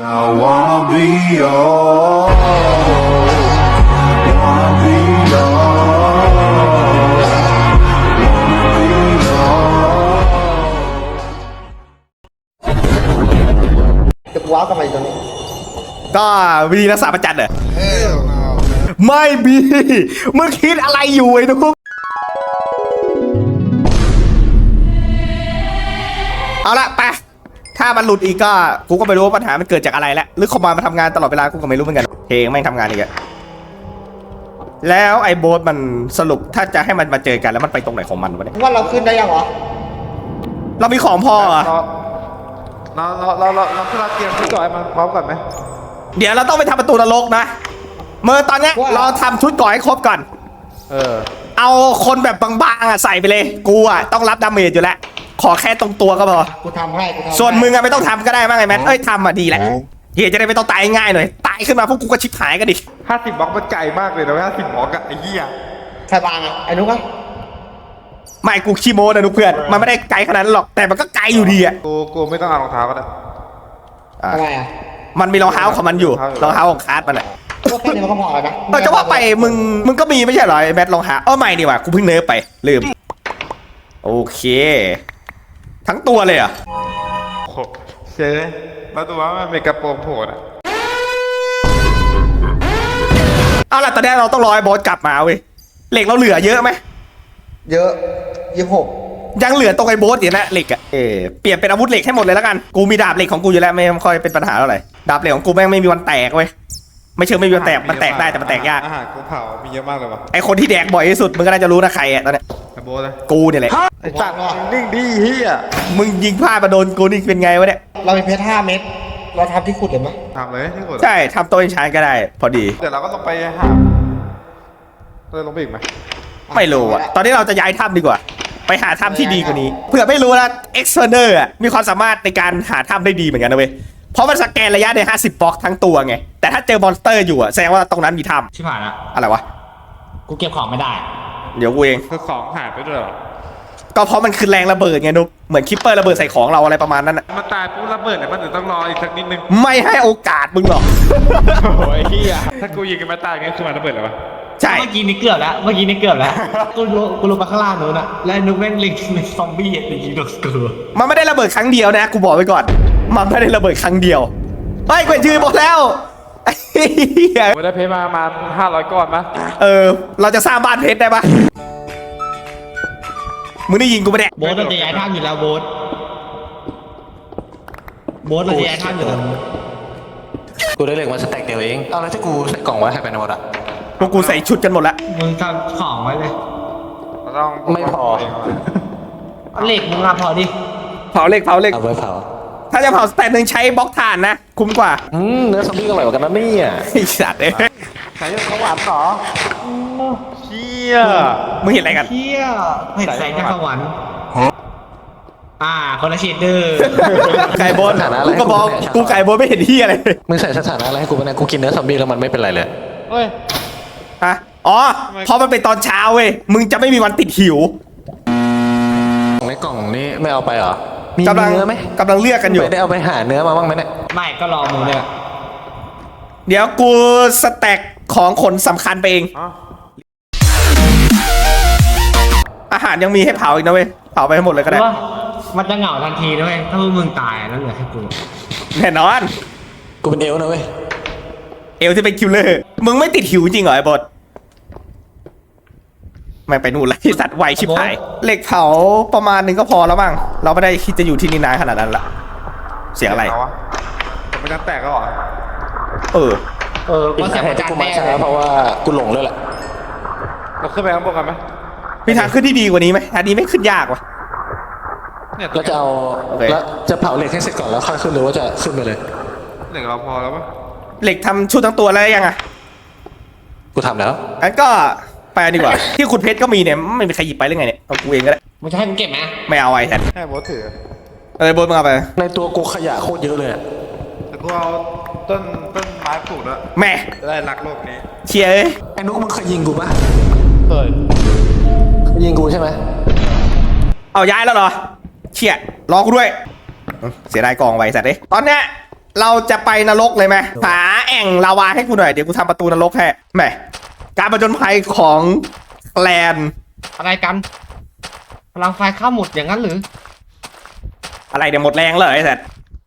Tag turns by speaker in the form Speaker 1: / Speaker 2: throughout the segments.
Speaker 1: I wanna be yours. Wanna be yours. Wanna be yours.
Speaker 2: จะว้าวทำไมตรงนี้
Speaker 3: ก็วิธีรักษาประจันเหรอไม่มีมึงคิดอะไรอยู่ไอ้ทุกเอาละไปถ้ามันหลุดอีกก็กูก็ไม่รู้ว่าปัญหามันเกิดจากอะไรแล้วหรือคอมมานด์มาทำงานตลอดเวลากูก็ไม่รู้เหมือนกันเพลงแม่งทำงานอีกอะแล้วไอ้โบ๊ทมันสรุปถ้าจะให้มันมาเจอกันแล้วมันไปตรงไหนของมันวะเนี่ย
Speaker 2: ว่าเราขึ้นได้ยังวะ
Speaker 3: เรามีของพอเหรอ
Speaker 4: เราขึ้นมาเตรียมชุดก่อนมาพร้อมก่อนไหม
Speaker 3: เดี๋ยวเราต้องไปทำประตูนรกนะเมื่อตอนเนี้ยเราทำชุดก่อให้ครบก่อนเอาคนแบบบางๆอ่ะใส่ไปเลยกูอ่ะต้องรับดาเมจอยู่แล้วขอแค่ตรงตัวก็พอ
Speaker 2: กูทำให้กูทำให้
Speaker 3: ส่วนมึงอะไม่ต้องทำก็ได้มั้งไอ้แมทเอ้ยทำอะดีแหละเฮียจะได้ไม่ต้องตายง่ายหน่อยตายขึ้นมาพวกกูก็ชิบหายกันดิ
Speaker 4: 50บล็อกมันไกลมากเลยนะ50บล็อกอะไอ้เหี้ย
Speaker 2: ใครบางอ่ะไอ้นุ๊กอ่ะ
Speaker 3: ไม่กูขี้โม้นะนุกเพื่อนมันไม่ได้ไกลขนาดนั้นหรอกแต่มันก็ไกลอยู่ดีอะ
Speaker 4: กูไม่ต้องเอารองเท้าก็ได้
Speaker 2: ทำไมอ่ะ
Speaker 3: มันมีรองเท้าของมันอยู่รองเท้าของคาร์ดมันอะ
Speaker 2: ก็แค่นี้มันก็พอแล้วนะ
Speaker 3: จะว่าไปมึงก็มีไม่ใช่เหรอไอ้แมทรองเท้าไม่ดีว่ะกูเพิ่งเนิร์ฟไปลืมโอเคทั้งตัวเลยเหรอ่ะ
Speaker 4: โอ้โหเจ๊มาดูว่ามันเป็นกระโปรงโผล่อะ
Speaker 3: เอาล่ะตอนนี้เราต้องรอไอ้บอสกลับมาเว้ยเหล็กเราเหลือเยอะไหม
Speaker 2: เยอะ26
Speaker 3: ยังเหลือตรงไอ้โบสอยู่นะเหล็กอะเปลี่ยนเป็นอาวุธเหล็กให้หมดเลยแล้วกันกูมีดาบเหล็กของกูอยู่แล้วไม่ค่อยเป็นปัญหาเท่าไหร่ดาบเหล็กของกูแม่งไม่มีวันแตกเว้ยไม่เชิงไม่มีวันแตกมันแตกได้แต่มันแตกยาก
Speaker 4: อาหารกูเผามีเยอะมากเลยว่ะ
Speaker 3: ไอคนที่แดกบ่อยที่สุดมึงก็น่าจะรู้นะใครอะตอนเนี้ย
Speaker 4: ไอ้โบเลย
Speaker 3: กูเนี่ยแหละ
Speaker 4: ไอ้สัตว์นิ่งดีเหี้ย
Speaker 3: มึงยิงพลาดมาโดนกูนี่เป็นไงวะเนี่ย
Speaker 2: เรามีเพชร5 เม็ดเราทำที่ขุดเลยไหม
Speaker 4: ทำเลยที่สุด
Speaker 3: ใช่ทำตัวเองชานก็ได้ พอดี
Speaker 4: เดี๋ยวเราก็ลงไปหาลงไปอีกไหม
Speaker 3: ไม่รู้อะตอนนี้เราจะย้ายถ้ำดีกว่า ไปหาถ้ำที่ดีกว่านี้เผื่อไม่รู้นะเอ็กซ์เทอร์เนอร์อะมีความสามารถในการหาถ้ำได้ดีเหมือนกันนะเว้ยเพราะมันสแกนระยะได้50บล็อกทั้งตัวไงแต่ถ้าเจอมอนสเตอร์อยู่อะแสดงว่าตรงนั้นมีถ้
Speaker 5: ชิบหายละ
Speaker 3: ำอะไรวะ
Speaker 5: กูเก็บของไม่ได้
Speaker 3: เดี๋ยวกูเอง
Speaker 4: คือของหายไปด้วยเหรอ
Speaker 3: ก็เพราะมันคือแรงระเบิดไงนุ๊กเหมือนคิปเปอร์ระเบิดใส่ของเราอะไรประมาณนั้นอะ
Speaker 4: มันตายปุ๊บระเบิดเนี่ยมันถึงต้องรออีกสักนิดนึง
Speaker 3: ไม่ให้โอกาสมึงหรอก
Speaker 4: โอ้ยเหี้ยถ้ากูยิงกันมาตายเนี่ยคือมันระเบิดเหรอวะ
Speaker 3: ใช่
Speaker 5: เมื่อกี้นี่เกือบแล้วกูลงไปข้างล่างนู้นอะแล้วนุ๊กแม่งเล็งเป็นซอมบี้อะแต่ยิงโดนกู
Speaker 3: มันไม่ได้ระเบิดครั้งเดียวนะกูบอกไว้ก่อนมันไม่ได้ระเบิดครั้งเดียวเฮ้ยเกวนชื่อหมดแล้วไอ้เหี้ย
Speaker 4: กูได้เพชรมา500ก้อนมั้ย
Speaker 3: เราจะสร้างบ้านเพชรได้ปะมึงได้ยิงกูปะเนี่ย
Speaker 5: โบ๊ทเราจะย้ายท่ามอยู่แล้วโบ๊ทเราจะย้ายท่ามอยู่แล้ว
Speaker 6: กูได้เหล็กมาสแต็กเดียวเองเอาแล้วที่กูใส่กล่องไว้ให้ไปในหมดอะ
Speaker 3: พวกกูใส่ชุดกันหมดแล้ว
Speaker 5: มึงทำของไว้เลย
Speaker 4: เราต้อง
Speaker 6: ไม่พอ
Speaker 5: เหล็กมึงอะพอดิ
Speaker 3: เผาเหล็ก
Speaker 6: เอาไว้เผา
Speaker 3: ถ้าจะเผาสแตนหนึ่งใช้บล็อกถ่านนะคุ้มกว่า
Speaker 6: เนื้อซอมบี้ก็อร่อยกว่ากันนะเนี่ย
Speaker 3: ไอ้สัตว์เอ้ย
Speaker 4: ใส่ของหวานเหรอเชี่ย
Speaker 3: มึงเห็นอะไรกัน
Speaker 5: เที่ยเห็ดแสงจากสวรรค์คนละเชดเดอร์
Speaker 3: ไก่บนกูก็บอกกูไก่บนไม่เห็นที่อะไร
Speaker 6: มึงใส่สถานะอะไรให้กูไปเนี่ยกูกินเนื้อซอมบี้แล้วมันไม่เป็นไรเลย
Speaker 4: เฮ้ย
Speaker 3: ฮะอ๋อเพราะมันเป็นตอนเช้าเว้ยมึงจะไม่มีวันติดหิว
Speaker 6: ในกล่องนี้ไม่เอาไปเหรอมี
Speaker 3: กำลัง
Speaker 6: เนื้อไหม
Speaker 3: กำลังเลือกกันอยู่
Speaker 6: ไม่ได้เอาไปหาเนื้อมาบ้างไหมเนี่ย
Speaker 5: ไม่ก็รอมึงเนี่ย
Speaker 3: เดี๋ยวกูสแต็กของขนสำคัญไปเอง
Speaker 4: อ๋อ
Speaker 3: อาหารยังมีให้เผาอีกนะเว้ยเผาไปให้หมดเลยก็ได้
Speaker 5: ว่ามันจะเหงาทันทีด้วยถ้าพวกมึงตายแล้วเหลือแค่กู
Speaker 3: แน่นอน
Speaker 6: กูเป็นเอลฟ์นะเว้ย
Speaker 3: เอลที่เป็นคิลเลอร์มึงไม่ติดหิวจริงเหรอไอ้บดไม่ไปนู่นละไอ้สัตว์ไวชิบหายเหล็กเผาประมาณนึงก็พอแล้วมั้งเราไม่ได้คิดจะอยู่ที่นี่นานขนาดนั้นละเสียงอะไร
Speaker 4: เาวะแต่มันจะแตกแล้วเหรอ
Speaker 6: อีก
Speaker 5: ก็
Speaker 6: สา
Speaker 5: เสีย
Speaker 6: เห
Speaker 5: ประ
Speaker 6: ตุ
Speaker 5: จั
Speaker 6: ที่
Speaker 5: น
Speaker 6: กู
Speaker 5: แน่
Speaker 6: มาช้าเพราะว่ากูหลงเลยแหละ
Speaker 4: เราขึ้นไปข้างบนกันไหม
Speaker 3: มีทางขึ้นที่ดีกว่านี้ไหมทางนี้ไม่ขึ้นยากว่ะ
Speaker 4: เนี่ย
Speaker 6: แล้วจะเอา
Speaker 3: โอเค
Speaker 6: แล้วจะเผาเหล็กให้เสร็จก่อนแล้วค่อยขึ้นหรือว่าจะขึ้นไปเลย
Speaker 4: เหล็กเราพอแล้วปะ
Speaker 3: เหล็กทำชุดทั้งตัวแล้วยังอ่ะ
Speaker 6: กูทำแล้ว
Speaker 3: งั้นก็ไปดีกว่า ที่ขุดเพชรก็มีเนี่ยไม่มีใครหยิบไปหรือไงเนี่ยเอากูเองก็ได้
Speaker 5: มึงจะให้กูเก็บไหม
Speaker 3: ไม่เอาไอ้แทน
Speaker 4: แค่โบสถือ
Speaker 3: บนมึงเอาไป
Speaker 6: ในตัวกูขยะโคตรเยอะเลยอะ
Speaker 4: แต่กูเอาต้นไม้ปลูกแล้ว
Speaker 3: แม่
Speaker 4: จะได้รักโลกนี้
Speaker 3: เชียร์เอ้ย
Speaker 6: ไอ้นุ๊กมึงเคยยิงกูปะ
Speaker 4: เคย
Speaker 6: เคยยิงกูใช่ไหม
Speaker 3: เอาย้ายแล้วเหรอเชียร์รอกูด้วยเสียดายกองไว้สัตว์เอ้ยตอนเนี้ยเราจะไปนรกเลยไหมหาแอ่งลาวาให้กูหน่อยเดี๋ยวกูทำประตูนรกให้แหมการผจญภัยของแลน
Speaker 5: อะไรกันพลังไฟข้ามหมดอย่างนั้นหรือ
Speaker 3: อะไรเดี๋ยวหมดแรงเลยไอ้สัตว์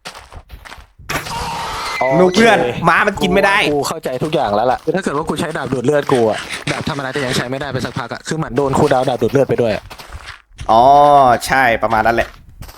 Speaker 3: นูเพื่อนม้ามันกินไม่ได้
Speaker 6: กูเข้าใจทุกอย่างแล้วล่ะคือถ้าเกิดว่ากูใช้ดาบดูดเลือดกูอะดาบธรรมดาจะยังใช้ไม่ได้ไปสักพักอะคือเหมือนโดนคูลดาวน์ดาบดูดเลือดไปด้วยอะ
Speaker 3: อ๋อใช่ประมาณนั้นแหละ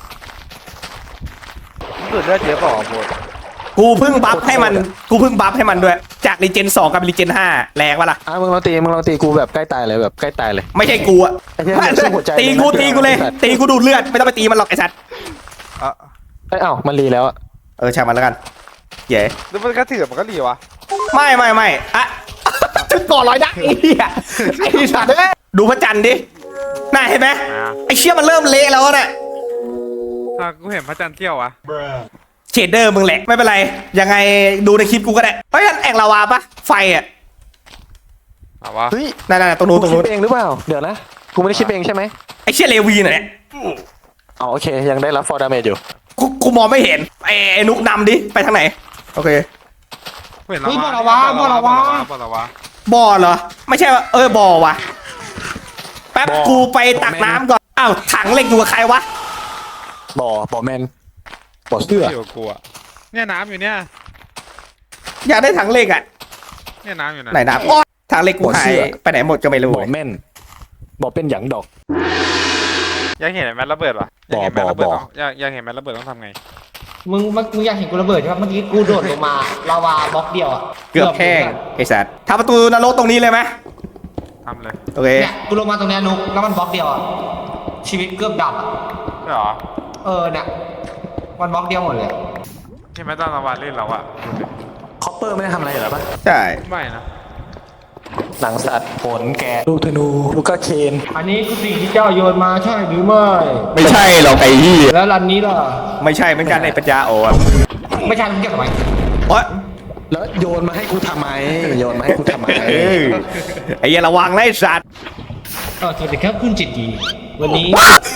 Speaker 4: สุดเลือดเยอะเปล่าโบด
Speaker 3: กูเพิ่งบัฟให้มันด้วยจากรีเจน2กับรีเจน5แรงปะล่ะ
Speaker 6: มึงลองตีกูแบบใกล้ตายเลยแบบใกล้ตายเลย
Speaker 3: ไม่ใช่กูอะ
Speaker 6: ไอ้เหี้ยสู้หัวใจ
Speaker 3: ตีกูเลยตีกูดูดเลือดไม่ต้องไปตีมันหรอกไอ้สัตว์
Speaker 6: เอ้ามันรีแล้วอะ
Speaker 3: ช่างมันแล้วกันเย้
Speaker 4: แล้วมันก็ถือมันก็รีวะ
Speaker 3: ไม่อะถึงก่อนร้อยได้ไอ้เหี้ยไอ้สัตว์เอ้ยดูพระจันทร์ดิน่าเห็นไหมไอ้เชี่ยมันเริ่มเละแล้วเนี่ย
Speaker 4: ถ้ากูเห็นพระจันทร์เที่ยวอะ
Speaker 3: เชดเดอร์มึงแหละไม่เป็นไรยังไงดูในคลิปกูก็ได้เฮ้ยนั่นแอ่งลาวาปะไฟอ่ะ
Speaker 4: เอาวะ
Speaker 6: เฮ้ย
Speaker 3: นั่นตรงนู้น
Speaker 6: กูคิดเองหรือเปล่าเดี๋ยวนะกูไม่ได้คิดเองใช่ไหม
Speaker 3: ไอ้เชี่ยเลวีน่ะเนี่ย
Speaker 6: อ๋อโอเคยังได้รับฟอร์ดาเมจอยู่
Speaker 3: กูมองไม่เห็นไอ้นุกนำดิไปทางไหนโอเค
Speaker 4: เห็น
Speaker 5: เฮ้ยบ่อละวะ
Speaker 4: บ่อละวะ
Speaker 3: บ่อเหรอไม่ใช่ว่าบ่อวะแป๊บกูไปตักน้ำก่อนอ้าวถังเหล็กอยู่กับใครวะ
Speaker 6: บ่อแมนบ่อเสื้อ
Speaker 4: เที่ยวกูอะเนี่ยน้ำอยู่เนี่ย
Speaker 3: อยากได้ถังเหล็กอ่ะ
Speaker 4: เนี่ยน้ำอยู่นะ
Speaker 3: ไหนน้ำถังเหล็กกูหายไปไหนหมดก็ไม่รู้
Speaker 6: บ่อแมนบ่อเป็นหยังดอก
Speaker 4: อยากเห็นแมทระเบิดวะอยากเห็นแมทระเบิดต้องอยากเห็นแมทระเบิดต้องทำไง
Speaker 5: มึงอยากเห็นกูระเบิดใช่ไหมเมื่อกี้กูโดดลงมาลาวาบล็อกเดียวอ่ะ
Speaker 3: เกือบแห้งไอ้สัตว์ทำประตูนรกตรงนี้เลยไหม
Speaker 4: ทำเลย
Speaker 3: โอเค
Speaker 5: เนี่ยกูลงมาตรงเนี้ยนุกแล้วมันบล็อกเดียวอ่ะชีวิตเกือบดับอ่ะ
Speaker 4: ใช่หรอ
Speaker 5: เนี่ยมันบล็อกเดียวหมดเลย
Speaker 4: ใช่ไหมตอนเราวาดเล่นเราอะ
Speaker 6: คอปเปอร์ไม่ได้ทำอะไรเหรอปะ
Speaker 3: ใช่
Speaker 4: ไม่นะ
Speaker 6: หนังสัตว์ผลแกะลูกธนูลูกกระเคน
Speaker 5: อันนี้คือสิ่งที่เจ้าโยนมาใช่หรือไม่
Speaker 3: ไม่ใช่หรอกไอ้ยี่
Speaker 5: แล้วรันนี้ล่ะ
Speaker 3: ไม่ใช่เหมือนกันไอ้ปัญญาอ่อน
Speaker 5: ไม่ใช่มึงเก็บทำไม
Speaker 3: โอ๊ย
Speaker 6: แล้วโยนมาให้กูทำไมโยนมาให้กูทำไม
Speaker 3: ไอ้เหี้ยระวังนะไอ้สัตว์
Speaker 5: สวัสดีครับคุณจิตดีวันนี้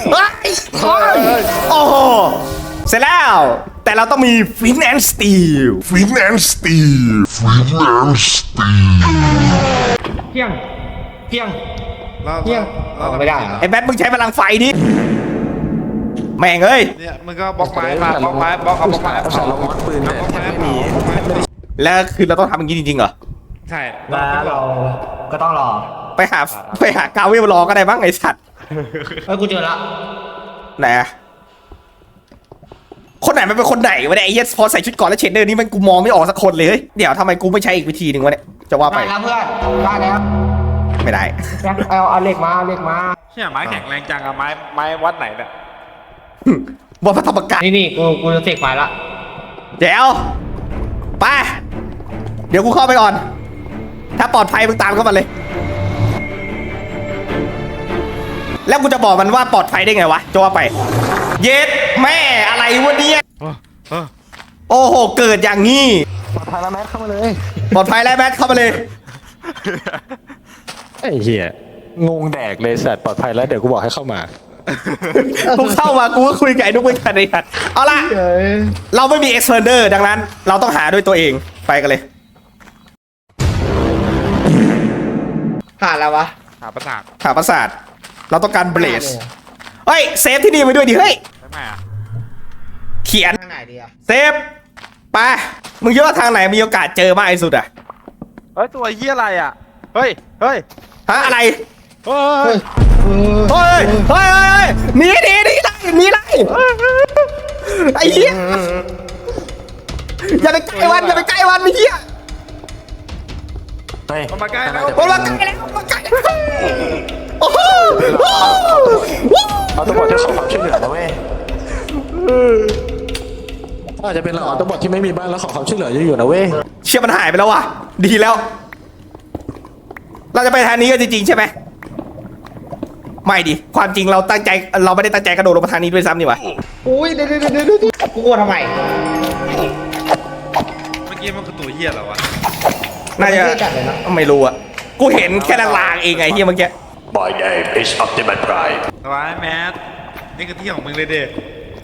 Speaker 3: โอ้โหเสร็จแล้วแต่เราต้องมีฟินแอนด์สตีล
Speaker 1: Finance Steve. Finance Steve.
Speaker 5: เพียงเพียง
Speaker 4: เรา
Speaker 5: เพียงไม่ได้เหรอ
Speaker 3: ไอ้แบทมึงใช้พลังไฟดิแม่งเอ้ย
Speaker 4: เนี่ยมึงก็บล็อกไม้มาบล็อกไม้บล็อกเอาบล็อกไม้
Speaker 6: เอาสารลงมัดปืนแต่แทบไม่มี
Speaker 3: แล้วคือเราต้องทำอย่างนี้จริงๆเหรอ
Speaker 4: ใช่
Speaker 5: แล้วเราก็ต้องรอ
Speaker 3: ไปหากาเวลรอก็ได้บ้างไอ้สัตว์
Speaker 5: กูเจอละ
Speaker 3: ไหนอะคนไหนมันเป็นคนไหนวะเนี่ยไอ้เหี้ยพอใส่ชุดเก่อนแล้วเชนเดอร์นี่มันกูมองไม่ออกสักคนเลยเฮ้ยเดี๋ยวทำไมกูไม่ใช้อีกวิธีหนึ่งวะเนี่ยจะว่าไป
Speaker 5: ได้แล้วเพื่อนได้แล้ว
Speaker 3: ไม่ได้
Speaker 5: เอาเหล็กมาเอาเหล็กมา
Speaker 4: เชี่ยไม้แข็งแรงจังอะไม้วัดไหนเนี่ย
Speaker 3: ว่าพระธรรมกาย
Speaker 5: นี่กูจะเสกไฟละ
Speaker 3: เดี๋ยวไปเดี๋ยวกูเข้าไปก่อน ถ้าปลอดภัยมึงตามเข้ามาเลย แล้วกูจะบอกมันว่าปลอดภัยได้ไงวะจะว่าไป เย็ดแม่อะไรวะเนี่ยโอ้โหเกิดอย่างนี้
Speaker 6: ปลอดภัยแล้วแมทเข้ามาเลย
Speaker 3: ปลอดภัยแล้วแมทเข้ามาเลย
Speaker 6: ไอ้เหี้ยงงแดกเลยสัตว์ปลอดภัยแล้วเดี๋ยวกูบอกให้เข้ามา
Speaker 3: กูเข้ามากูก็คุยกับไอ้นุ๊กเป็นกันไอ้สัตว์เอาล่ะเราไม่มีเอ็กซ์เพรเดอร์ดังนั้น เราต้องหาด้วยตัวเองไปกันเลย
Speaker 2: ผ่านแล้ววะ
Speaker 4: หาประสาท
Speaker 3: หาปราสาทเราต้องการเบลสเฮ้ยเซฟที่นี่ไปด้วยดิเฮ้ย
Speaker 4: ใช่ไหมอะ
Speaker 3: เขียน
Speaker 2: ทางไหนดีอะ
Speaker 3: เซฟไปมึงคิดว่าทางไหนมีโอกาสเจอมากที่สุดอะ
Speaker 4: เฮ้ยตัวเหี้ยอะไรอะเฮ้ยเฮ้ย
Speaker 3: ฮะอะไร
Speaker 4: เฮ้ย
Speaker 3: เฮ้ยเฮ้ยหนีไล่ไอ้เหี้ยอย่าไปใกล้วันไอ้เหี้ย
Speaker 6: เฮ้ย
Speaker 4: มันมาใกล้แล้ว
Speaker 3: มันมาใกล้แล้วโอ้โห
Speaker 6: เอาตัวบอทที่ขอความช่วยเหลือนะเว้ยอาจจะเป็นเราเอาตัวบอทที่ไม่มีบ้านแล้วขอความช่วยเหลืออยู่นะเว้ย
Speaker 3: เชี่ยมันหายไปแล้วว่ะดีแล้ว เราจะไปทางนี้กันจริงๆใช่ไหมไม่ดิความจริงเราไม่ได้ตั้งใจกระโดดลงมาทางนี้ด้วยซ้ำนี่วะ
Speaker 2: อุ้ยเดี๋ยวกูกลัวทำไม
Speaker 4: เมื่อกี้มันคือตัวเหี้ยเหรอวะ
Speaker 3: น่าจะ
Speaker 2: ไม่ได้จัดเลยนะ
Speaker 3: ไม่รู้อะกูเห็นแค่ลางๆเองไงเฮียเมื่อกี้
Speaker 1: My name is Optimus Prime.
Speaker 4: สบายแมทนี่คือที่ของมึงเลยเด็ก
Speaker 3: ค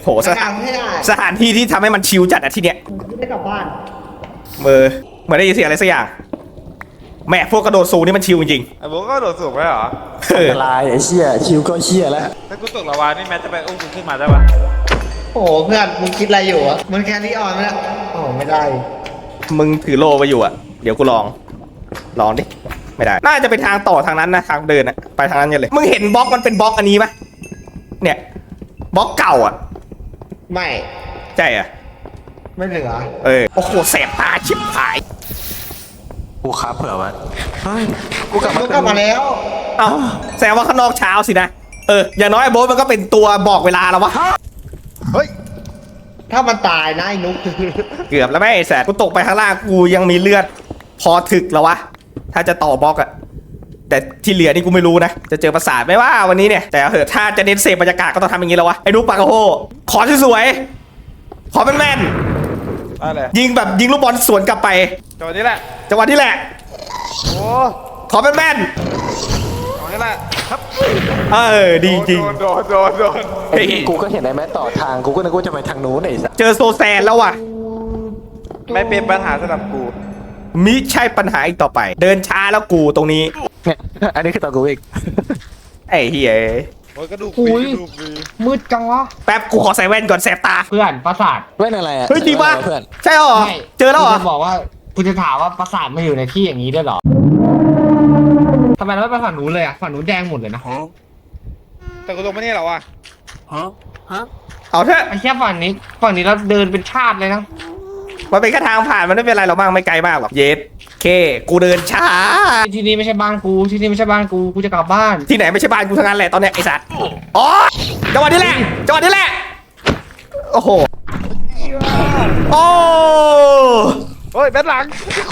Speaker 3: โหสถานที่ที่ทำให้มันชิลจัดอะที่เนี้ย
Speaker 2: ไม่ได้กลับบ้าน
Speaker 3: เหมือนได้ยินเสียงอะไรสักอย่างแม่พวกกระโดดสูงนี่มันชิลจริง
Speaker 4: ไอ้โบ๊ทก็โดดสูงไปเหรอ
Speaker 3: ๆเออ
Speaker 6: ลายไอ้เชี่ยชิวก็เชี่ยแล้ว
Speaker 4: ถ้ากูตกลาวานี่แมทจะไปอุ้มกูขึ้นมาได้ปะ
Speaker 2: โอ้โหเพื่อนมึงคิดอะไรอยู่อะมันแค่นี้อ่อนไหมเนี่ยโอ้โหไม่ได้
Speaker 3: มึงถือโลไปอยู่อะเดี๋ยวกูลองดิไม่ได้น่าจะเป็นทางต่อทางนั้นนะทางเดินอะไปทางนั้นกันเลยมึงเห็นบล็อกมันเป็นบล็อกอันนี้ปะเนี่ยบล็อกเก่าอะ
Speaker 2: ไม่
Speaker 3: ใช่อะ
Speaker 2: ไม่เหลือ
Speaker 3: โอ้โหแสบตาชิบหาย
Speaker 6: กูครับเผื่อไว้เฮ้ยกูกลับ
Speaker 2: มึ
Speaker 6: มาง
Speaker 2: กลับมาแล้ว
Speaker 3: เอ้าแสดงว่าข้างนอกเช้าสินะอย่างน้อยไอ้โบ๊ทมันก็เป็นตัวบอกเวลาแล้ววะ
Speaker 4: เฮ้ย
Speaker 2: ถ้ามันตายนะไอ้นุ๊ก
Speaker 3: เกือบแล้วแม่ไอ้แสบกูตกไปข้างล่างกูยังมีเลือดพอถึกแล้ววะถ้าจะต่อบล็อกอะแต่ที่เหลือนี่กูไม่รู้นะจะเจอปราสาทไหมว่าวันนี้เนี่ยแต่เอาเถอะถ้าจะเน้นเสพบรรยากาศก็ต้องทำอย่างนี้แล้ววะไอ้นุ๊กปากกระโฮขอสวยๆขอแม่น
Speaker 4: ได้เลย
Speaker 3: ๆยิงแบบยิงลูกบอลสวนกลับไป
Speaker 4: จังหวะนี้แหละ
Speaker 3: จังหวะนี้แหละ
Speaker 4: โอ้
Speaker 3: ขอแม่น
Speaker 4: จังหวะนี้แหละครับ
Speaker 3: ๆดีจริง
Speaker 4: โดน
Speaker 3: เฮ้ย
Speaker 6: กูก็เห็นไอ้แมทต่อทางกูก็นึกว่าจะไปทางนู้นไอ้สัส
Speaker 3: เจอโซแซนแล้วว่ะ
Speaker 4: ไม่เป็นปัญหาสำหรับกู
Speaker 3: มิใช่ปัญหาอีกต่อไป เดินช้าแล้วกูตรงนี้
Speaker 6: เนี่ยอันนี้คือตอนกูอีก
Speaker 3: ไอ้เฮีย
Speaker 4: โอ้ยกระดูก
Speaker 5: อุ้ย
Speaker 4: กระดูกฟรี
Speaker 5: มืดจังวะ
Speaker 3: แป๊บกูขอใส่แว่นก่อนแสบตา
Speaker 5: เพื่อนปราสาท
Speaker 6: เว้นอะไรอ่ะ
Speaker 3: เฮ้ยจริงปะ
Speaker 6: เพื่อน
Speaker 3: ใช่หรอ
Speaker 5: ไม่
Speaker 3: เจอแล้วเหรอ
Speaker 5: กูจะบอกว่ากูจะถามว่าปราสาทมาอยู่ในที่อย่างนี้ด้วยเหรอทำไมเราไม่ไปฝั่งนู้นเลยอะฝั่งนู้นแดงหมดเลยนะ
Speaker 4: แต่กูลงมานี่เหรอวะ
Speaker 3: เอาเถอะ
Speaker 5: ไอ้แค่ฝั่งนี้เราเดินเป็นชาติเลยนะ
Speaker 3: มันเป็นแค่ทางผ่านมันไม่เป็นไรหรอกมั้งไม่ไกลมากหรอกเยสเคกูเดินช้า
Speaker 5: ที่นี่ไม่ใช่บ้านกูที่นี่ไม่ใช่บ้านกูกูจะกลับบ้าน
Speaker 3: ที่ไหนไม่ใช่บ้านกูทั้งนั้นแหละตอนเนี้ยไอ้สัตว์อ๋อจังหวะนี้แหละจังหวะนี้แหละโอ้โหโอ้
Speaker 4: เฮ้ยแบทหลัง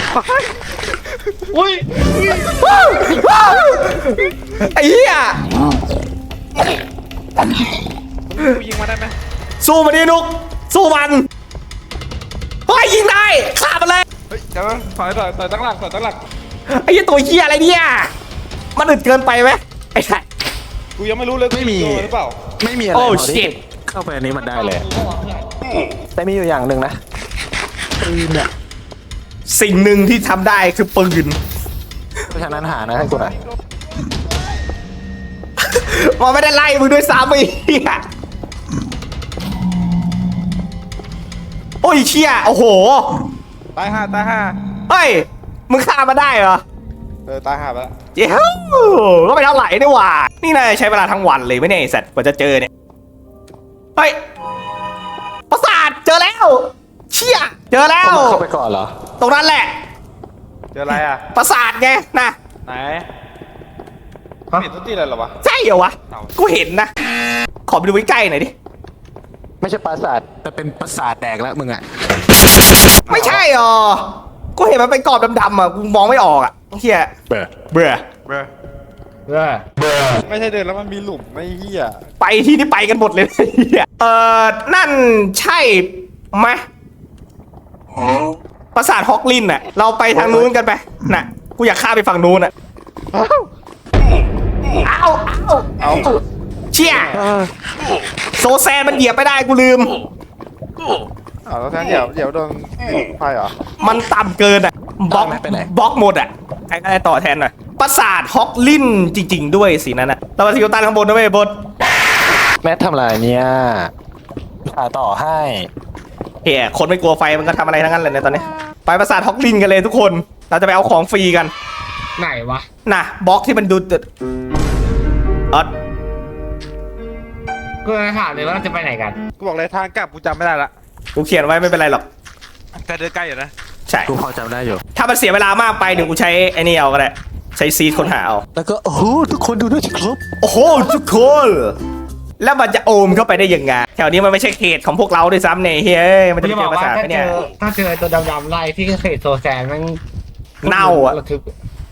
Speaker 5: อุ้ย
Speaker 3: ไอ้เหี้ย
Speaker 4: กูยิงมาได้ไหม
Speaker 3: สู้มันดินุกสู้มันเฮ้ยยิงได้ฆ่ามันเลย
Speaker 4: เฮ้ยเดี๋ยวถอยตั้งหลัก
Speaker 3: ไอ้เหี้ยตัวเหี้ยอะไรเนี่ยมันอึดเกินไปไหมไอ้สัตว์
Speaker 4: กูยังไม่รู้เลยกูโดนหรือเปล่า
Speaker 6: ไม่มีอะไร
Speaker 3: โอ้
Speaker 6: พอที่
Speaker 3: shit
Speaker 6: เข้าไปอันนี้มันได้เลย แต่มีอยู่อย่างหนึ่งนะปืนเนี่ย
Speaker 3: สิ่งหนึ่งที่ทำได้คือปืน
Speaker 6: เพราะฉะนั้นหานะให้กูหน่อย
Speaker 3: มันไม่ได้ไล่มึงด้วยซ้ำไอ้เหี้ยโอ้ยเชี่ยโอ้โห
Speaker 4: ตายห้า
Speaker 3: เฮ้ยมึงฆ่ามาได้เหรอ
Speaker 4: ตายห้าไปแล้ว
Speaker 3: เจ้าก็ไม่เท่าไหร่นี่หว่านี่นายใช้เวลาทั้งวันเลยไม่เนี่ยไอ้สัตว์กว่าจะเจอเนี่ยเฮ้ยปราสาทเจอแล้วเชี่ยเจอแล้ว
Speaker 6: เข้าไปก่อนเหรอ
Speaker 3: ตรงนั้นแหละ
Speaker 4: เจออะไรอ่ะ
Speaker 3: ปราสาทไงนะ
Speaker 4: ไหนไม่เห็นทุกที่เลยเหรอวะ
Speaker 3: ใช่เหรอวะกูเห็นนะขอไปดูใกล้ๆหน่อยดิ
Speaker 6: ไม่ใช่ปราสาทแต่เป็นปราสาทแดกแล้วมึงอ่ะ
Speaker 3: ไม่ใช่หรอกูเห็นมันเป็นกรอบดำๆอ่ะกูมองไม่ออกอ่ะเฮีย
Speaker 6: เบื่อ
Speaker 3: เบื่อ
Speaker 4: เบรอ
Speaker 5: เออ
Speaker 4: ไม่ใช่เดินแล้วมันมีหลุมไม่เหี้ย
Speaker 3: ไปที่นี่ไปกันหมดเลยเฮียนั่นใช่ไหมปราสาทฮอกลินน่ะเราไปทางนู้นกันไปน่ะกูอยากข้ามไปฝั่งนู้นน่ะเอาเชี่ยโซแซนมันเหยียบไม่ได้กูลืม
Speaker 4: แล้วแทนเดี๋ยวโดนไฟเหรอ
Speaker 3: มันต่ำเกินอ่ะบล็อกหมดอ่ะใครก็ได้ต่อแทนหน่อยปราสาทฮอกลินจริงๆด้วยสินั่นน่ะเรามาซิวตันข้างบนนะเว้ยบด
Speaker 6: แมททำอะไรเนี่ยหาต่อให้
Speaker 3: เฮียคนไม่กลัวไฟมันก็ทำอะไรทั้งนั้นเลยในตอนนี้ไปปราสาทฮอกลินกันเลยทุกคนเราจะไปเอาของฟรีกัน
Speaker 5: ไหนวะ
Speaker 3: น่ะบล็อกที่มันดูอ๋อ
Speaker 5: กูจะถามเลยว่าเราจะไปไหนกัน
Speaker 4: กูบอกเลยทางกลับกูจำไม่ได้ละ
Speaker 3: กูเขียนไว้ไม่เป็นไรหรอก
Speaker 4: แต่เดินใกล้อยู่นะ
Speaker 3: ใช่
Speaker 6: กูพอจำได้อยู่
Speaker 3: ถ้ามันเสียเวลามากไปเดี๋ยวกูใช้ไอ้นี่เอาก็ได้ใช้ซีดค้นหาเอา
Speaker 6: แล้วก็โอ้โหทุกคนดูด้วยสิครับ
Speaker 3: โอ้โหทุกคนแล้วมันจะโอมเข้าไปได้ยังไงแถวนี้มันไม่ใช่เขตของพวกเราด้วยซ้ำเนี่ยเฮ้ยมันจะ
Speaker 5: กู
Speaker 3: ไป
Speaker 5: จะบ
Speaker 3: เจ
Speaker 5: อก
Speaker 3: อปรา
Speaker 5: ว่า
Speaker 3: สาท
Speaker 5: ถ้า
Speaker 3: ไหม
Speaker 5: เจ
Speaker 3: เนี่ย
Speaker 5: อตัวดำๆไล่ที่เขตโซแซนมัน
Speaker 3: เน่าอะ
Speaker 5: ระทึก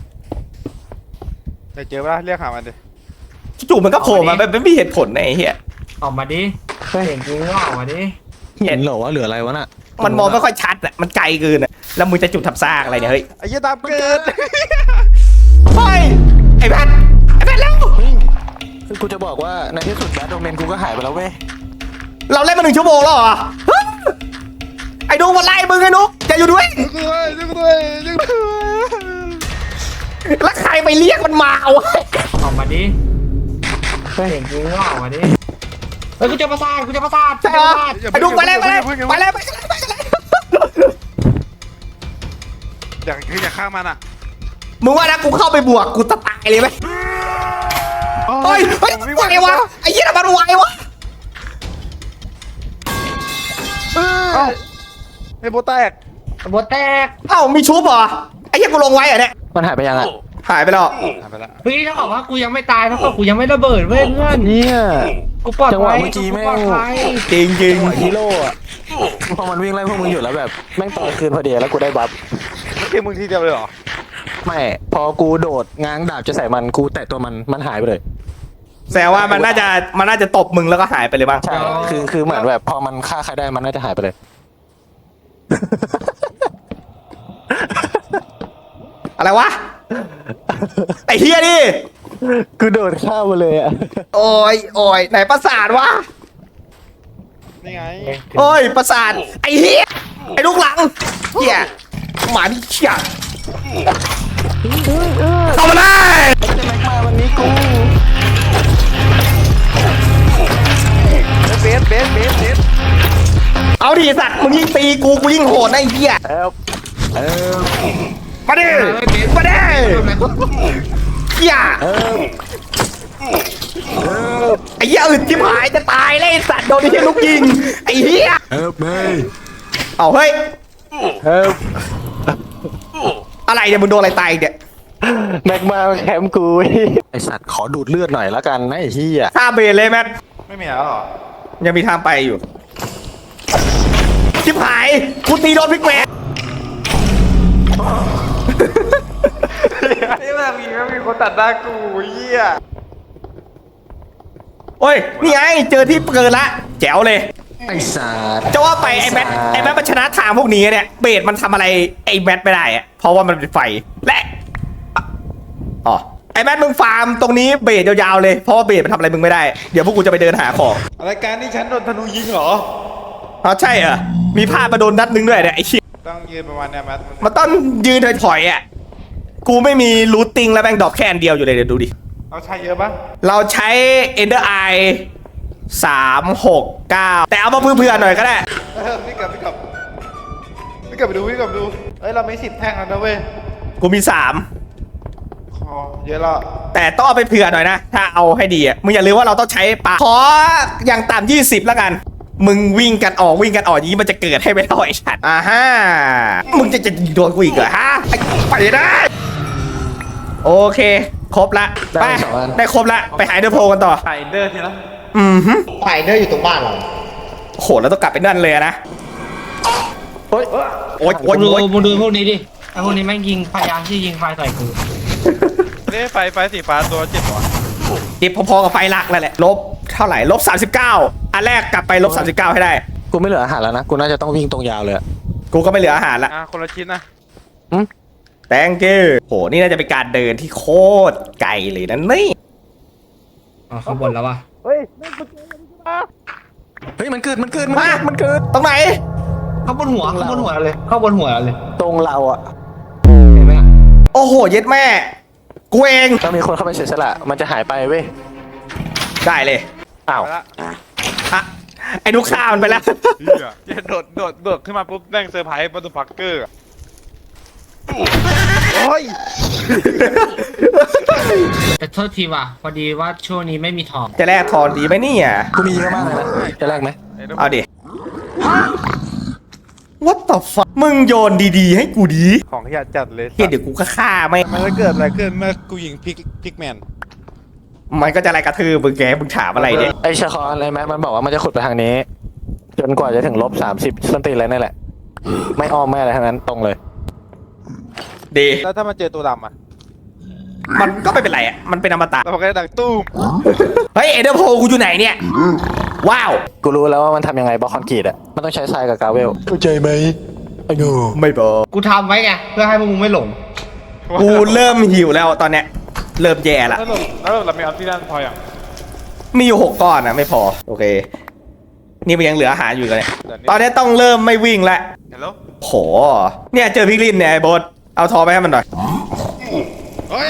Speaker 4: เดี๋ยวเจอปะเรียกหามันดิ
Speaker 3: จู่ๆมันก็โผล่มาแบบไม่มีเหตุผลนะไอ้เหี้ย
Speaker 5: ออกมาดิเห็นจริงว่าออกมาดิ
Speaker 6: เห็นเหรอว่าเหลืออะไรวะน่ะ
Speaker 3: มันมองไม่ค่อยชัดอ่ะมันไกลเกินอ่ะแล้วมึงจะจุดทับซากอะไรเนี่ยเฮ้ย
Speaker 4: ไอ้เหี้ยตามเกิด
Speaker 3: เฮ้ยไอ้แพทแล้ว
Speaker 6: กูจะบอกว่าในที่สุดแบทโดเมนกูก็หายไปแล้วเว้ย
Speaker 3: เราเล่นมา1 ชั่วโมงแล้วเหรอไอ้นุ๊กมาไล่มึงไอ้นุ๊กจะอยู่ด้วย แล้วใครไปเรียกมันมาวะ
Speaker 5: ออกมาดิเสียงกูว่าออกมาดิเฮ้ยกูจะประสาท
Speaker 3: ใช่เหรอไอ้นุ๊กไปเลยไปเลยไปเลยไปเลย
Speaker 4: อยากฆ่ามันอ่ะ
Speaker 3: มึงว่านะกูเข้าไปบวกกูจะตายเลยไหมเฮ้ยไหววะไอ้เหี้ยมันไหววะ
Speaker 4: ไอ้โบแตก
Speaker 5: โบแตก
Speaker 3: เอ้ามีชุบเหรอไอ้เหี้ยกูลงไว้เหรอเนี่ย
Speaker 6: มันหายไปยังอะ
Speaker 3: หายไปแล้ว
Speaker 4: ทำไปละ
Speaker 5: เฮ้ยถ้าบอกว่ากูยังไม่ตายถ้าบอกกูยังไม่ระเบิดเว้ยเพื่อน
Speaker 6: เนี่ย
Speaker 5: กูปลอด
Speaker 6: จังห
Speaker 5: ภั
Speaker 6: วะ
Speaker 5: ย
Speaker 6: เมื่อกี้แม่ง
Speaker 5: ปลอดภัย
Speaker 3: จริงจริง
Speaker 6: ฮีโร่อะพอมันวิ่งไล่พวกมึงอยู่แล้วแบบแม่งต่อยคืนพอดีแล้วกูได้บัฟ
Speaker 4: ไม่คือมึงทีเดียวเลยเหรอ
Speaker 6: ไม่พอกูโดดง้างดาบจะใส่มันกูแตะตัวมันหายไปเลย
Speaker 3: แสดงว่ามันน่าจะตบมึงแล้วก็หายไปเลยบ้าง
Speaker 6: ใช่คือเหมือนแบบพอมันฆ่าใครได้มันน่าจะหายไปเลย
Speaker 3: อะไรวะไอ้เฮียนี่
Speaker 6: กูโดดข้ามมาเลยอ่ะ
Speaker 3: โอ้ยไหนประสาทวะ
Speaker 4: นี่ไง
Speaker 3: โอ้ยประสาทไอ้เฮียไอ้ลูกหลังเฮียหมานี่เชี่ยเข้ามาได้
Speaker 6: จะแม็กมาวันนี้กู
Speaker 4: เบส
Speaker 3: เอาดิสัตว์มึงยิ่งตีกูยิ่งโหดนะไอ้เฮีย
Speaker 6: เออ
Speaker 3: มาดิมาดิเฮียไอ้เฮียอึดที่หายจะตายเลยไอ้สัตว์โดนไอ้เฮียลูกยิงไอ้เฮีย
Speaker 6: ไม่
Speaker 3: เอาเฮ้ย
Speaker 6: เออ
Speaker 3: อะไรเนี่ยมึงโดนอะไรตายอีกเนี่ย
Speaker 6: แม็กมาแคมป์กูไอสัตว์ขอดูดเลือดหน่อยละกันนะไอ้เหี้ย
Speaker 3: ฆ่าเบรเลยแมท
Speaker 4: ไม่มีแล้วเหรอ
Speaker 3: ยังมีทางไปอยู่ชิบหายกูตีโดนพิกแมน
Speaker 4: นี่แม่งมีคนตัดหน้ากูเหี้ย
Speaker 3: โอ้ยนี่ไงเจอที่เกินละแจ๋วเลย
Speaker 6: ไอสัตว์
Speaker 3: จะว่าไปไอ้แมทมันชนะทางพวกนี้เนี่ยเบสมันทำอะไรไอ้แมทไม่ได้อะเพราะว่ามันเป็นไฟและอ๋อไอ้แมทมึงฟาร์มตรงนี้เบสยาวๆเลยเพราะว่าเบสมันทำอะไรมึงไม่ได้เดี๋ยวพวกกูจะไปเดินหาของ
Speaker 4: รายการนี้ฉันโดนธนูยิงเหรอ
Speaker 3: อ๋อใช่เหรอมีพลาดมาโดนนัดนึงด้วยเนี่ยไอ้เชี่ย
Speaker 4: ต้องยืนประมาณเนี้ยแมท
Speaker 3: มันต้องยืนถอยๆอ่ะกูไม่มีรูทติ้งแล้วแม่งดรอปแค่อันเดียวอยู่เลยเดี๋ยวดูดิ
Speaker 4: เอาใช้เยอะปะ
Speaker 3: เราใช้ Ender Eye 369 แต่เอามาเพื่อๆหน่อยก็ได้
Speaker 4: พี่กลับไปดูเอ้ยเราไม่10 แท่งแล้วนะเว้ย
Speaker 3: กูมี
Speaker 4: ขอเยอะแล้ว
Speaker 3: 3 แต่ต้องเอาไปเผื่อหน่อยนะ ถ้าเอาให้ดีอ่ะ มึงอย่าลืมว่าเราต้องใช้ปลาขออย่างต่ำ20แล้วกัน มึงวิ่งกันออกอย่างนี้มันจะเกิดให้ไม่ได้ไอ้ชัดฮ่ามึงจะโดนกูอีกเหรอฮะไปได้ โอเค ครบละไปได้ครบละไปหาเดอร์โพกันต่อ
Speaker 4: ไข่เดอร์ทีละ
Speaker 3: ฮึ
Speaker 2: ไฟเดอร์อยู่ตรงบ้านเรา
Speaker 3: โหแล้วต้องกลับไปนั่นเลยอะนะ
Speaker 6: โอ๊ย
Speaker 3: โอ๊ย
Speaker 5: มึงดูพวกนี้ดิไอ้พวกนี้แม่งยิงพยายามที่ยิงไฟใส่กู
Speaker 4: นี่ไฟสีฟ้าตัว7หรอ
Speaker 3: จิบพอๆกับไฟลักนั่นแหละลบเท่าไหร่ลบ39อันแรกกลับไปลบ39ให้ได้
Speaker 6: กูไม่เหลืออาหารแล้วนะกูน่าจะต้องวิ่งตรงยาวเลยอะ
Speaker 3: กูก็ไม่เหลืออาหารละ
Speaker 4: คนละชิ้นนะ
Speaker 3: thank you โหนี่น่าจะเป็นการเดินที่โคตรไกลเลยนะนี่
Speaker 5: อ๋อข้างบนแล้ววะ
Speaker 6: เฮ้ยมันเกิดมันเกิด
Speaker 3: ตรงไหน
Speaker 5: ข้างบนหัวเลยข้างบนหัวเลย
Speaker 6: ตรงเราอ่ะ
Speaker 5: เห็นไหมอะ
Speaker 3: โอ้โหเย็ดแม่กูเอง
Speaker 6: ต้องมีคนเข้าไปเสียสละมันจะหายไปเว้ย
Speaker 3: ได้เลย
Speaker 6: อ้าว
Speaker 4: ไปละ
Speaker 3: อะไอ้นุกข้ามันไปแล้ว
Speaker 4: เหี้ยโดดขึ้นมาปุ๊บแม่งเซอร์ไพรส์บัตเตอร์พักเกอร์โอ้ย
Speaker 5: แต่โทษทีว่ะพอดีว่าช่วงนี้ไม่มีทอง
Speaker 3: จะแลกทอนดีไหมเนี่ย
Speaker 6: กูมีเยอะมากเลยนะจะแลกไหม
Speaker 3: เอาดิ What the fuck มึงโยนดีๆให้กูดี
Speaker 4: ของขยะจัดเลย
Speaker 3: เฮียเดี๋ยวกูก็ฆ่าไม่
Speaker 4: มันจะเกิดอะไรขึ้นเมื่อกูยิงพิกแมน
Speaker 3: มันก็จะอะไรกระทืบมึงแกมึงถามอะไรเนี่ย
Speaker 6: ไอชาคอนอะไรไหมมันบอกว่ามันจะขุดไปทางนี้ จนกว่าจะถึง-30ส้นตีนอะไรนั่นแหละ ไม่อ้อมไม่อะไรทั้งนั้นตรงเลย
Speaker 3: ดี
Speaker 4: แล้วถ้ามันเจอตัวดำอ่ะ
Speaker 3: มันก็ไม่เป็นไรอ่ะมันเป็นอมตะ
Speaker 4: แล้วมันก็จะดังตุ้ม
Speaker 3: เฮ้ยเอเดอร์โพกูอยู่ไหนเนี่ย ว้าว
Speaker 6: กูรู้แล้วว่ามันทำยังไงบล็อกคอนกรีตอ่ะมันต้องใช้ทรายกับกราเวลเข้าใจไหมไอ้หนู
Speaker 3: ไม่บอก
Speaker 5: กูทำไว้ไงเพื่อให้พวกมึงไม่หลง
Speaker 3: กูเริ่มหิวแล้วตอนเนี้ยเริ่มแย่ละ
Speaker 4: แล้วเรามีออฟฟิศด้านพออย่าง
Speaker 3: มีอยู่6 ก้อนนะไม่พอ โอเคนี่มันยังเหลืออาหารอยู่เลย
Speaker 4: เดี๋ยวนี้
Speaker 3: ตอนนี้ต้องเริ่มไม่วิ่งแล้ว
Speaker 4: ฮัลโหล
Speaker 3: โหเนี่ยเจอพิกลินเนี่ยไอ้โบสเอาทอไปให้มันหน่อย
Speaker 4: เฮ้ย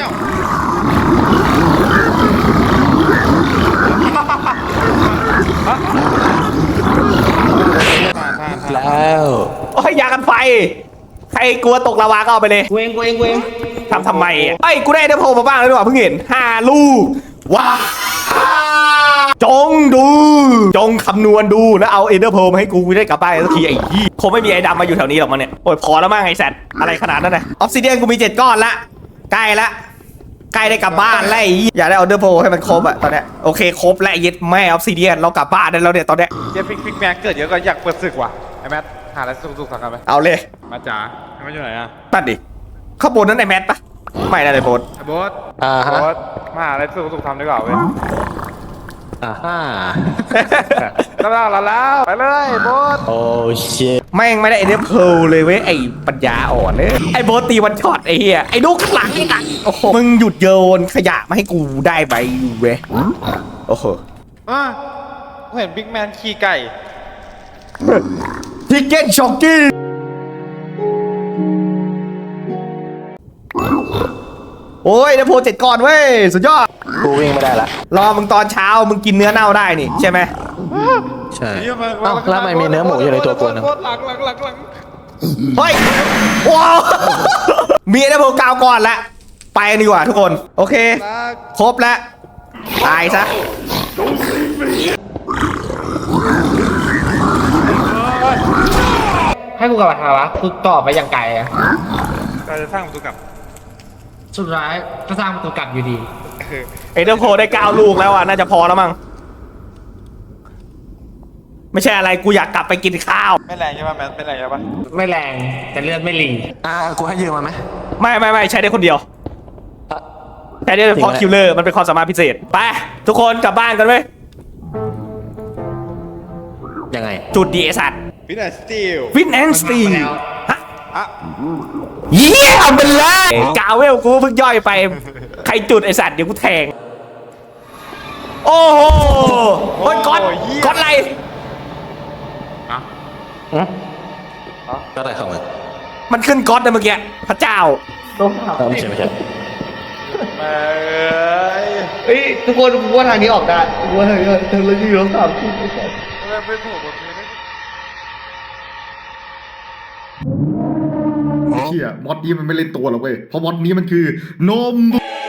Speaker 6: แล้ว
Speaker 3: โอ้ยยากันไฟใครกลัวตกลาวาก็เอาไปเลย
Speaker 5: กูเอง
Speaker 3: ทำไมอ่ะเอ้ยกูได้เดโพมาบ้างแล้วด้วยว่ะเพิ่งเห็น5 ลูกว้าจงดู จงคำนวณดูแล้วเอาเอเดอร์โพมาให้กูได้กลับบ้านสักทีไอ้ยี่คงไม่มีไอ้ดำมาอยู่แถวนี้หรอกมันเนี่ยโอ้ยพอแล้วมั้งไอ้แซดอะไรขนาดนั้นนะออฟซิเดียนกูมี7 ก้อนละใกล้ละใกล้ได้กลับบ้านแล้วไอ้ยี่อยากได้เอาเดอร์โพให้มันครบอะตอนเนี้ยโอเคครบแล้วเย็ดแม่ออฟซิเดียนเรากลับบ้านได้แล้วเนี่ยตอนเนี้ย
Speaker 4: เจ๊พิกแมนเกิดเยอะก็อยากเปิดศึกว่ะไอ้แมทหาอะไรสุกๆสั่งกันไป
Speaker 3: เอาเลย
Speaker 4: มาจ๋าไอ้แมทอยู่ไหนอะ
Speaker 3: ตัดดิข้างบนนั้นไอ้แมทปะไม่ได้เลยโพส
Speaker 4: ไอ้โบ๊ท
Speaker 6: ฮะ
Speaker 4: โบ๊ทมาหาอะไรสุกๆทำดีกว่าเว้ย
Speaker 6: ฮ่า
Speaker 4: แล้วไปเลยโบ๊ท
Speaker 6: โอ้เชต
Speaker 3: แม่งไม่ได้ไอเดอร์เพลเลยเว้ยไอปัญญาอ่อนเนี่ยไอโบทตีวันช็อตไอเฮียไอลูกข้างหลังไอ้หลังโอ้โหมึงหยุดโยนขยะมาให้กูได้ไปเว้ยโอ้โห
Speaker 4: กูเห็นบิ๊กแมนขี่ไก่
Speaker 3: ทิกเก็ตช็อกกี้โอ้ยเดโพ7 ก้อนเว้ยสุดยอด
Speaker 6: กูวิ่งไม่ได้ละ
Speaker 3: รอมึงตอนเช้ามึงกินเนื้อเน่าได้นี่ใช่ไหม
Speaker 6: ใช่เอ้าแล้วทำไมมีเนื้อหมูอยู่ในตัวกูนะ
Speaker 4: โบ๊ทหลัง
Speaker 3: เฮ้ยว้าว มีเดโพ9 ก้อนละไปกันดีกว่าทุกคนโอเคครบแล้วตายซะ
Speaker 5: ให้กูกลับมาทำวะกูต่อไปอย่างไกลอะ
Speaker 4: เราจะสร้างประตูกลับ
Speaker 5: สุดท้ายก็สร้างประตูกลับอยู่ดี
Speaker 3: เอเดอร์โพได้9 ลูกแล้วอ่ะน่าจะพอแล้วมั้งไม่ใช่อะไรกูอยากกลับไปกินข้าว
Speaker 4: ไม่แรงใช่ป่ะแมทไม่แรงใช่ป่ะ
Speaker 5: ไม่แรงแต่เลือดไม่หลี
Speaker 6: กูให้ยืมมาไหม
Speaker 3: ไม่ใช้ได้คนเดียวใช้ได้เฉพาะ
Speaker 6: จริงไหม
Speaker 3: คิลเลอร์มันเป็นความสามารถพิเศษไปทุกคนกลับบ้านกันเว้ย
Speaker 6: ยังไง
Speaker 3: จุดดีไอสัตว์
Speaker 4: ฟินแอนสตีล
Speaker 3: ฟินแอนสตี
Speaker 5: มันมาแล้ว
Speaker 3: ฮะ
Speaker 4: อ่ะ
Speaker 3: เยี่ยมไปเลยกาเวลกูเพิ่งย่อยไปใครจุดไอสัตว์เดี๋ยวกูแทงโอ้โหโอ้ยก๊อตอะไร
Speaker 6: ก็ได้เข้ามา
Speaker 3: มันขึ้นก๊อตนะเมื่อกี้พระเจ้า
Speaker 6: ไม่ใช่
Speaker 4: แม่
Speaker 2: เฮ้ยทุกคนกูว่าทางนี้ออกได้กูว่าทางนี้ทางเราอยู่3 ที่
Speaker 4: ไม่ถูกบทนี้
Speaker 1: เชี่ยมอดนี้มันไม่เล่นตัวหรอกเว้ยเพราะมอดนี้มันคือนม